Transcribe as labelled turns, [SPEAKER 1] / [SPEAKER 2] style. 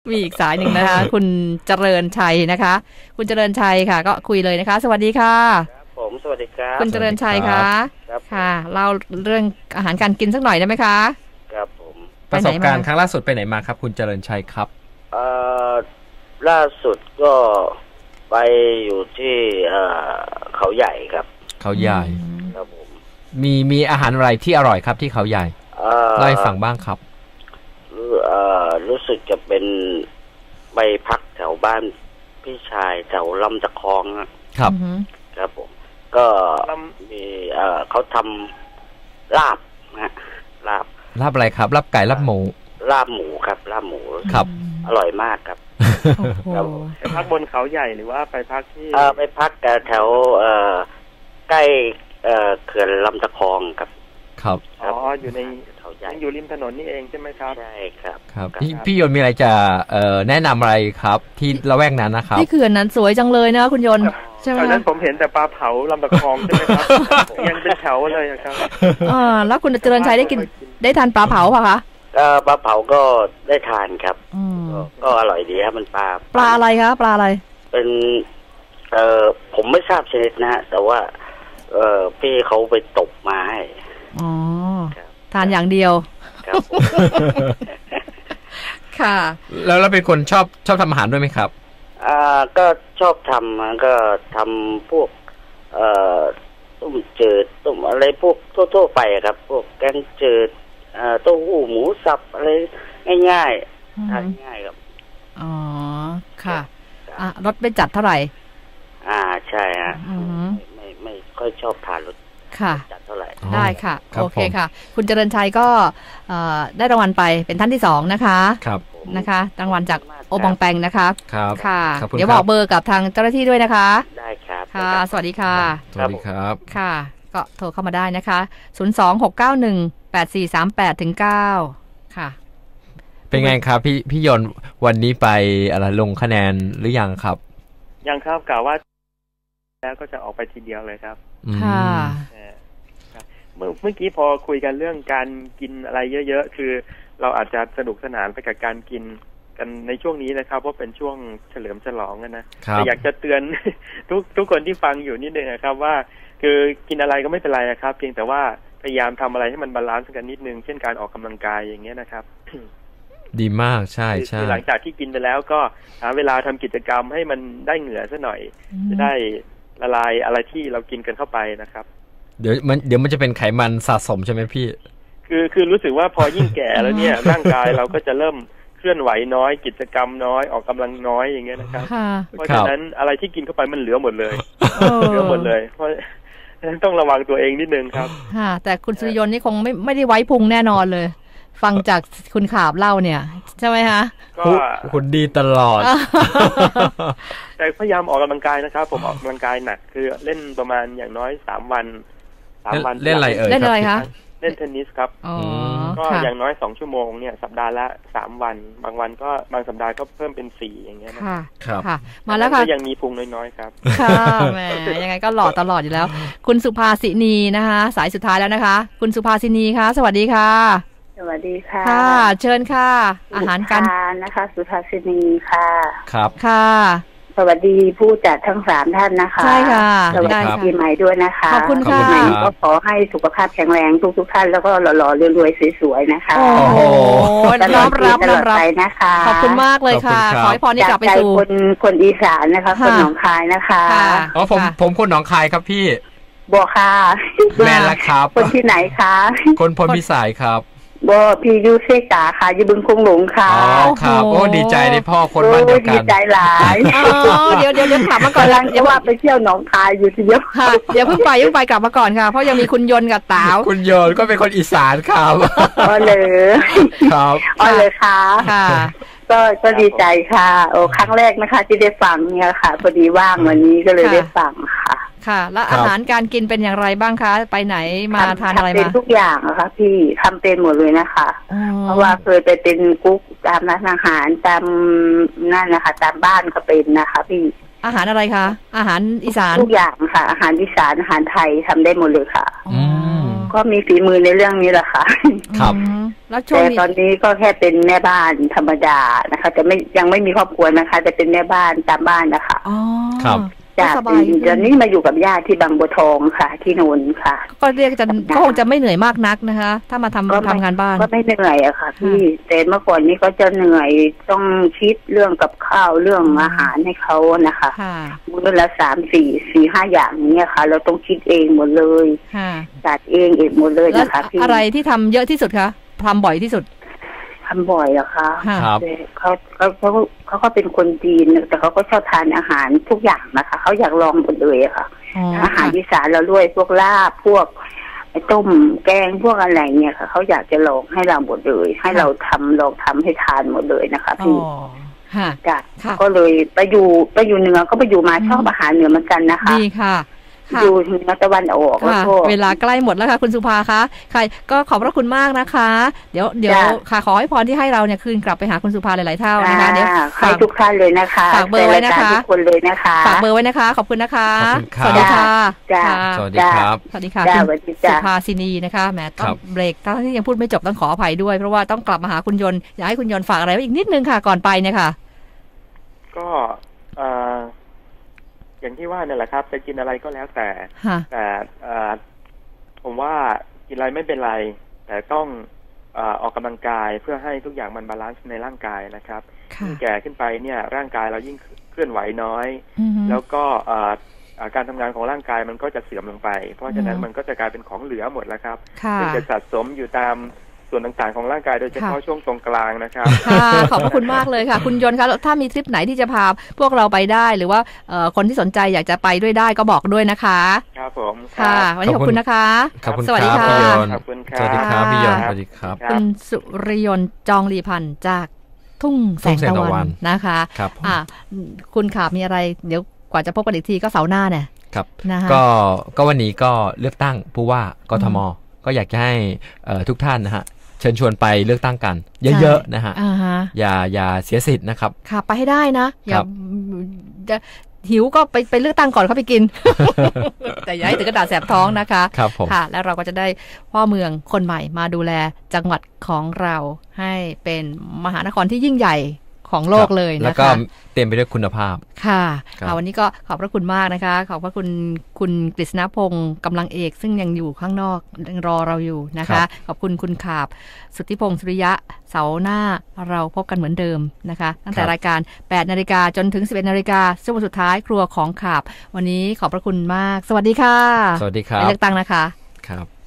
[SPEAKER 1] มีอีกสายหนึ่งนะคะ คุณเจริญชัยนะคะ คุณเจริญชัยค่ะก็คุยเลยนะคะสวัสดีค่ะ
[SPEAKER 2] ผมสวัสดีครับ
[SPEAKER 1] คุณเจริญชัยคะค่ะเล่าเรื่องอาหารการกินสักหน่อยได้ไหมคะ
[SPEAKER 2] ครับผม
[SPEAKER 3] ประสบการณ์ครั้งล่าสุดไปไหนมาครับคุณเจริญชัยครับ
[SPEAKER 2] ล่าสุดก็ไปอยู่ที่เขาใหญ่ครับ
[SPEAKER 3] เขาใหญ่
[SPEAKER 2] ครับผม
[SPEAKER 3] มีอาหารอะไรที่อร่อยครับที่เขาใหญ่เล่าให้ฟังบ้างครับ
[SPEAKER 2] รู้สึกจะเป็นไปพักแถวบ้านพี่ชายแถวลำตะคอง
[SPEAKER 3] ครับ
[SPEAKER 2] ครับผมก็มีเขาทำลาบนะลาบ
[SPEAKER 3] อะไรครับลาบไก่ลาบหมู
[SPEAKER 2] ครับลาบหมู
[SPEAKER 3] ครับ
[SPEAKER 2] อร่อยมากครับ
[SPEAKER 4] ไปพักบนเขาใหญ่หรือว่าไปพักที่
[SPEAKER 2] ไปพักแถวใกล้เขื่อนลำตะคองครับ
[SPEAKER 3] ครับ
[SPEAKER 4] อยู่ในเขาใหญ่อยู่ริมถนนนี่เองใช่ไหมครับ
[SPEAKER 2] ใช่ครับ
[SPEAKER 3] ครับพี่ยนต์มีอะไรจะแนะนำอะไรครับที่ละแวกนั้นนะครับ
[SPEAKER 1] ที่เขื่อนนั้นสวยจังเลยนะคุณยนต์ใช่ไหม
[SPEAKER 4] ตอนนั้นผมเห็นแต่ปลาเผาลำตะคองใช่ไหมครับยังเป็นแถวเลยครับ
[SPEAKER 1] แล้วคุณเจริญชัยได้ทานปลาเผาป่ะคะ
[SPEAKER 2] ปลาเผาก็ได้ทานครับก็อร่อยดีครับมันปลา
[SPEAKER 1] อะไรคะปลาอะไร
[SPEAKER 2] เป็นผมไม่ทราบชนิดนะฮะแต่ว่าพี่เขาไปตกมาให้
[SPEAKER 1] ทานอย่างเดียว
[SPEAKER 2] ครับ
[SPEAKER 1] ค่ะ
[SPEAKER 3] แล้วเราเป็นคนชอบทำอาหารด้วยไหมครับ
[SPEAKER 2] ก็ชอบทำก็ทำพวกต้มจืดต้มอะไรพวกทั่วไปครับพวกแกงจืดเต้าหู้หมูสับอะไรง่ายๆทานง่ายครับ
[SPEAKER 1] อ๋อค่ะรสไม่จัดเท่าไหร่
[SPEAKER 2] ใช่ฮะไม่ค่อยชอบทานรสจัดเท่าไหร่
[SPEAKER 1] ได้ค่ะโอเคค่ะคุณเจริญชัยก็ได้รางวัลไปเป็นท่านที่2นะคะ
[SPEAKER 3] ครับ
[SPEAKER 1] นะคะรางวัลจากโอบองแปงนะคะ
[SPEAKER 3] ครับ
[SPEAKER 1] ค่ะเดี๋ยวบอกเบอร์กับทางเจ้าหน้าที่ด้วยนะคะ
[SPEAKER 2] ได้ครับ
[SPEAKER 1] ค่ะสวัสดีค่ะ
[SPEAKER 3] สวัสดีครับ
[SPEAKER 1] ค่ะก็โทรเข้ามาได้นะคะ026918438-9ค่ะ
[SPEAKER 3] เป็นไงครับพี่ยนต์วันนี้ไปอะไรลงคะแนนหรือยังครับ
[SPEAKER 4] ยังครับกล่าวว่าแล้วก็จะออกไปทีเดียวเลยครับ
[SPEAKER 1] ค่ะ
[SPEAKER 4] เมื่อกี้พอคุยกันเรื่องการกินอะไรเยอะๆคือเราอาจจะสนุกสนานไปกับการกินกันในช่วงนี้นะครับเพราะเป็นช่วงเฉลิมฉลองนะแต่อยากจะเตือนทุกคนที่ฟังอยู่นิดนึงนะครับว่าคือกินอะไรก็ไม่เป็นไรนะครับเพียงแต่ว่าพยายามทำอะไรให้มันบาลานซ์กันนิดนึงเช่นการออกกำลังกายอย่างเงี้ยนะครับ
[SPEAKER 3] ดีมากใช่ใช่
[SPEAKER 4] หลังจากที่กินไปแล้วก็หาเวลาทำกิจกรรมให้มันได้เหงื่อซะหน่อยจะได้ละลายอะไรที่เรากินกันเข้าไปนะครับ
[SPEAKER 3] เดี๋ยวมันจะเป็นไขมันสะสมใช่ไหมพี่
[SPEAKER 4] คือรู้สึกว่าพอยิ่งแก่แล้วเนี่ย ร่างกายเราก็จะเริ่มเคลื่อนไหวน้อยกิจกรรมน้อยออกกำลังน้อยอย่างเงี้ยนะครับเพราะฉะนั้นอะไรที่กินเข้าไปมันเหลือหมดเลยเหลือหมดเลยเพราะฉะนั้นต้องระวังตัวเองนิดนึงครับ
[SPEAKER 1] แต่คุณสุริยนต์นี่คงไม่ได้ไว้พุงแน่นอนเลยฟังจากคุณขาบเล่าเนี่ยใช่ไหมคะ
[SPEAKER 3] ก็คุณดีตลอด
[SPEAKER 4] แต่พยายามออกกำลังกายนะครับผมออกกำลังกายหนักคือเล่นประมาณอย่างน้อย3 วัน
[SPEAKER 3] เล่นอะไร
[SPEAKER 1] เล่นอะไรคะ
[SPEAKER 4] เล่นเทนนิสครับก็อย่างน้อย2 ชั่วโมงเนี่ยสัปดาห์ละ3 วันบางวันก็บางสัปดาห์ก็เพิ่มเป็น4อย่างเงี้ย
[SPEAKER 1] นะครับค่ะมาแล้วค่ะ
[SPEAKER 4] ก็ยังมีพุงน้อยๆครับ
[SPEAKER 1] ค่ะแหมยังไงก็หล่อตลอดอยู่แล้วคุณสุภาสินีนะคะสายสุดท้ายแล้วนะคะคุณสุภาสินีคะสวัสดีค่ะ
[SPEAKER 5] สวัสดีค่ะ
[SPEAKER 1] ค่ะเชิญค่ะอาหารการ
[SPEAKER 5] นะคะสุภาสินีค่ะ
[SPEAKER 3] ครับ
[SPEAKER 1] ค่ะ
[SPEAKER 5] สวัสดีผู้จัดทั้ง3 ท่านนะคะ
[SPEAKER 1] ใช่ค่ะ
[SPEAKER 5] สวัสดีปีใหม่ด้วยนะคะ
[SPEAKER 1] ขอบคุณค่ะ
[SPEAKER 5] ก็ขอให้สุขภาพแข็งแรงทุกท่านแล้วก็หล่อๆรวยๆสวยๆนะคะ
[SPEAKER 1] โอ้โหน้อมรับ
[SPEAKER 5] นะคะ
[SPEAKER 1] ขอบคุณมากเลยค่ะขอให้พรนี้กลับไปสู่
[SPEAKER 5] คนอีสานนะคะคนหนองคายนะคะ
[SPEAKER 3] อ๋อผมคนหนองคายครับพี่
[SPEAKER 5] บัวค่ะ
[SPEAKER 3] แม่ละครับ
[SPEAKER 5] คนที่ไหนคะ
[SPEAKER 3] คนพลพิสัยครับ
[SPEAKER 5] บ่พี่ยูเซกาค่ะอยู่บึงคงหลงค่ะ
[SPEAKER 3] อ๋อครับโอ้ดีใจได้พ่อคนบ้านเดียวกัน
[SPEAKER 5] ดีใจหลาย
[SPEAKER 1] เดี๋ยวถามมาก่อน
[SPEAKER 5] เดี๋ยวว่าไปเที่ยวหนองคายอยู่ทีเดียว
[SPEAKER 1] ค่ะเดี๋ยวเพิ่งไปกลับมาก่อนค่ะเพราะยังมีคุณยนต์กับต๋าว
[SPEAKER 3] คุณยนต์ก็เป็นคนอีสานครับ
[SPEAKER 5] อ๋อเลย
[SPEAKER 3] ครับ
[SPEAKER 5] อ๋อเลยค่ะ
[SPEAKER 1] ค่ะ
[SPEAKER 5] ก็ดีใจค่ะโอ้ครั้งแรกนะคะที่ได้ฟังเนี่ยค่ะพอดีว่างวันนี้ก็เลยได้ฟังค่ะ
[SPEAKER 1] ค่ะแล้วอาหารการกินเป็นอย่างไรบ้างคะไปไหนมาทานอะไรมา
[SPEAKER 5] เป็นทุกอย่างนะคะพี่ทำเป็นหมดเลยนะคะเพราะว่าเคยไปเป็นกุ๊กตามร้านอาหารตามนั่นนะคะตามบ้านก็เป็นนะคะพี่
[SPEAKER 1] อาหารอะไรคะอาหารอีสาน
[SPEAKER 5] ทุกอย่างค่ะอาหารอีสานอาหารไทยทำได้หมดเลยค่ะก็มีฝีมือในเรื่องนี้แหละค่ะ
[SPEAKER 3] ครับ
[SPEAKER 1] แล้วช่ว
[SPEAKER 5] แต่
[SPEAKER 1] งนี้
[SPEAKER 5] ตอนนี้ก็แค่เป็นแม่บ้านธรรมดานะคะแต่ยังไม่มีครอบครัวนะคะแต่เป็นแม่บ้านตามบ้านนะคะ
[SPEAKER 1] อ๋อ
[SPEAKER 3] ครับ
[SPEAKER 5] จาก
[SPEAKER 1] สบายขึ้น
[SPEAKER 5] ตอนนี้มาอยู่กับญาติที่บางบัวทองค่ะ ที่นนท์ค่ะ
[SPEAKER 1] ก็เรียกก็คงจะไม่เหนื่อยมากนักนะคะ ถ้ามาทำงานบ้าน
[SPEAKER 5] ก็ไม่เหนื่อยอะค่ะพี่แต่เมื่อก่อนนี้ก็จะเหนื่อยต้องคิดเรื่องกับข้าวเรื่องอาหารให้เขานะคะ
[SPEAKER 1] ค่ะ
[SPEAKER 5] มื้อละ3-4-5 อย่างนี้ค่ะ เราต้องคิดเองหมดเลย
[SPEAKER 1] ค่ะ
[SPEAKER 5] จัดเองหมดเลย
[SPEAKER 1] แล้ว
[SPEAKER 5] นะคะพี่
[SPEAKER 1] อะไรที่ทำเยอะที่สุดคะทำบ่อยที่สุด
[SPEAKER 5] ทำบ่อยเหรอคะ
[SPEAKER 1] ค่ะ
[SPEAKER 3] ครับ
[SPEAKER 5] เขาก็เป็นคนจีนแต่เขาก็ชอบทานอาหารทุกอย่างนะคะเขาอยากลองหมดเลยอะค่ะ
[SPEAKER 1] อ๋อ
[SPEAKER 5] อาหารอีสานเราด้วยพวกลาบพวกไอ้ต้มแกงพวกอะไรเนี่ยค่ะเขาอยากจะลองให้เราหมดเลยให้เราลองทำให้ทานหมดเลยนะคะ
[SPEAKER 1] อ๋อ
[SPEAKER 5] พี่
[SPEAKER 1] ค่ะ
[SPEAKER 5] จ้ะ
[SPEAKER 1] ค่ะ
[SPEAKER 5] ก็เลยไปอยู่เหนือก็ไปอยู่มาชอบอาหารเหนือเหมือนกันนะคะ
[SPEAKER 1] ดีค่ะค่ะ
[SPEAKER 5] อยู่เหนือตะวันออกแล้ว
[SPEAKER 1] ค่ะ
[SPEAKER 5] ก็
[SPEAKER 1] เวลาใกล้หมดแล้วค่ะคุณสุภาคะค่ะก็ขอบพระคุณมากนะคะ เดี๋ยว
[SPEAKER 5] จ้ะ
[SPEAKER 1] ค่ะขอให้พรที่ให้เราเนี่ยคืนกลับไปหาคุณสุภาหลายๆเท่านะคะเดี๋ยว
[SPEAKER 5] ให้ทุกท่านเลยนะคะ
[SPEAKER 1] ฝากเบอร์ไว้นะคะ
[SPEAKER 5] แฟรายการทุกคนเลยนะคะ
[SPEAKER 1] ฝากเบอร์ไว้นะคะ ขอบคุณนะคะ
[SPEAKER 3] ขอบคุณครับ
[SPEAKER 1] สวัสดีค่ะ
[SPEAKER 5] จ้ะ
[SPEAKER 1] ค่ะ
[SPEAKER 3] สวัสดีครับ
[SPEAKER 1] สวัสดีค่ะ
[SPEAKER 5] จ้ะ
[SPEAKER 1] คุณ
[SPEAKER 5] สวัสดี
[SPEAKER 1] สุ
[SPEAKER 5] จ้ะ
[SPEAKER 1] ภาสินีนะคะแหมต้อ
[SPEAKER 3] ครั
[SPEAKER 1] ง
[SPEAKER 3] บ
[SPEAKER 1] เบรกทั้งที่ยังพูดไม่จบต้องขออภัยด้วยเพราะว่าต้องกลับมาหาคุณยนต์อยากให้คุณยนต์ฝากอะไรไว้อีกนิดนึงค่ะก่อนไปเนี่ยค่ะ
[SPEAKER 4] ก็อย่างที่ว่าเนี่ยแหละครับจะกินอะไรก็แล้วแต่
[SPEAKER 1] ค่ะ
[SPEAKER 4] แต่ผมว่ากินอะไรไม่เป็นไร แต่ต้องออกกำลังกายเพื่อให้ทุกอย่างมันบาลานซ์ในร่างกายนะครับ
[SPEAKER 1] ค่ะ
[SPEAKER 4] ยิ่งแก่ขึ้นไปเนี่ยร่างกายเรายิ่งเคลื่อนไหวน้อย
[SPEAKER 1] อือฮึ
[SPEAKER 4] แล้วก็การทำงานของร่างกายมันก็จะเสื่อมลงไป เพราะฉะนั้น
[SPEAKER 1] อืม
[SPEAKER 4] มันก็จะกลายเป็นของเหลือหมดแล้วครับ
[SPEAKER 1] ค่ะ
[SPEAKER 4] ซึ่งจะสะสมอยู่ตามส่วนต่างๆของร่างกายโดยเฉพาะ
[SPEAKER 1] ค่ะ
[SPEAKER 4] ช่วงตรงกลางนะครับ
[SPEAKER 1] ค่ะขอบพระคุณมากเลยค่ะ คุณยนต์คะถ้ามีทริปไหนที่จะพาพวกเราไปได้ หรือว่าคนที่สนใจอยากจะไปด้วยได้ก็บอกด้วยนะคะ
[SPEAKER 4] ครับผม
[SPEAKER 1] ค่ะ วันนี้ขอบคุณนะคะ
[SPEAKER 3] ขอบคุณ
[SPEAKER 1] สวัสดี
[SPEAKER 3] ครับ
[SPEAKER 1] ค่ะ
[SPEAKER 3] พี่ยนต์
[SPEAKER 4] ขอบคุณครั
[SPEAKER 3] ส
[SPEAKER 4] บ
[SPEAKER 3] วัสดีครับพี่ยนต์
[SPEAKER 1] ค
[SPEAKER 3] ส
[SPEAKER 1] รับ
[SPEAKER 3] วัสดีครับ
[SPEAKER 4] ครั
[SPEAKER 1] คุ
[SPEAKER 4] บ
[SPEAKER 1] ณสุริยนต์จองลีพันธ์จากทุ่งแสงตะวันนะคะ
[SPEAKER 3] ครับ
[SPEAKER 1] คุณขามีอะไรเดี๋ยวกว่าจะพบกันอีกทีก็เสาร์หน้าเนี่ย
[SPEAKER 3] ครับ
[SPEAKER 1] นะคะ
[SPEAKER 3] ก็วันนี้ก็เลือกตั้งผู้ว่ากทม ก็อยากจะให้ทุกท่านนะฮะเชิญชวนไปเลือกตั้งกัน เยอะๆนะฮะ
[SPEAKER 1] อ่าฮะ
[SPEAKER 3] อย่าเสียสิทธิ์นะครับ
[SPEAKER 1] ค่ะไปให้ได้นะอย่า
[SPEAKER 3] ครับ
[SPEAKER 1] จะหิวก็ไปเลือกตั้งก่อนเขาไปกิน แต่อย่าให้ถึงกระดาษแสบท้องนะคะ
[SPEAKER 3] ครับผม
[SPEAKER 1] ค่ะ แล้วเราก็จะได้พ่อเมืองคนใหม่มาดูแลจังหวัดของเราให้เป็นมหานครที่ยิ่งใหญ่ของโลกเลยนะคะ
[SPEAKER 3] แล้วก็เต็มไปด้วยคุณภาพ
[SPEAKER 1] ค่ะ
[SPEAKER 3] ครับ
[SPEAKER 1] วันนี้ก็ขอบพระคุณมากนะคะ ขอบพระคุณคุณกฤษณพงศ์กำลังเอกซึ่งยังอยู่ข้างนอกยังรอเราอยู่นะคะ ขอบคุณคุณขาบสุทธิพงศ์สุริยะเสาร์หน้าเราพบกันเหมือนเดิมนะคะตั้งแต่รายการ 8 นาฬิกาจนถึง 11 นาฬิกาช่วงสุดท้ายครัวของขาบวันนี้ขอบพระคุณมาก สวัสดีค่ะ
[SPEAKER 3] สวัสดีครั
[SPEAKER 1] ไป
[SPEAKER 3] บ
[SPEAKER 1] เลือกตั้งนะคะ
[SPEAKER 3] ครับ